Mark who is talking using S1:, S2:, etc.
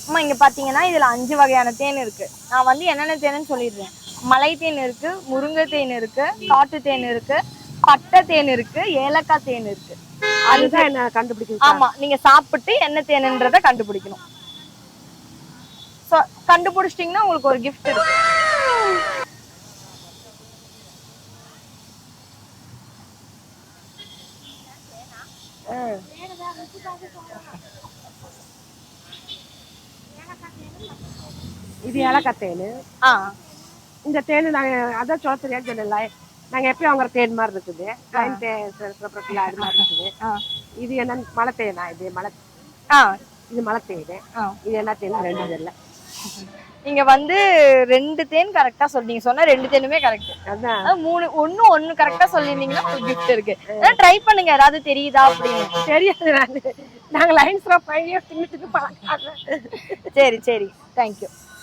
S1: அம்மா இங்க பாத்தீங்கன்னா இதுல 5 வகையான தேன் இருக்கு. நான் வந்து என்னென்ன தேன்னு சொல்லிடுறேன். மலை தேன் இருக்கு, முருங்கை தேன் இருக்கு, காட்டு தேன் இருக்கு, பட்டை தேன் இருக்கு, ஏலக்காய் தேன் இருக்கு.
S2: அதுதான் என்ன கண்டுபிடிக்கணும்.
S1: ஆமா, நீங்க சாப்பிட்டு என்ன தேனுன்றத கண்டுபிடிக்கணும். கண்டுபிடிச்சிட்டீங்கன்னா உங்களுக்கு ஒரு கிஃப்ட் இருக்கு.
S2: இது ஏலக்காய் தேன். இந்த தேன் நாங்க அதான் சொல்ல தெரியாது சொன்னல, நாங்க எப்பயும் வாங்குற தேன் மாதிரி இருக்குது. அது மாதிரி இருக்குது. இது என்ன மலை தேனா? இது மலை இது மலை தேன். இது என்ன தேன்? 2 தெரியல.
S1: நீங்க வந்து 2 தேன் கரெக்டா சொன்னீங்க. சொன்னா 2 தேனுமே கரெக்ட்.
S2: அதான்
S1: 3 ஒண்ணு கரெக்டா சொல்லிருந்தீங்கன்னா ஒரு கிஃப்ட் இருக்கு. ட்ரை பண்ணுங்க, ஏதாவது தெரியுதா அப்படின்னு.
S2: தெரியாது. நாங்க லைன்ஸ் பையன் தின்னுட்டு பழக்கம்.
S1: சரி சரி, தேங்க்யூ.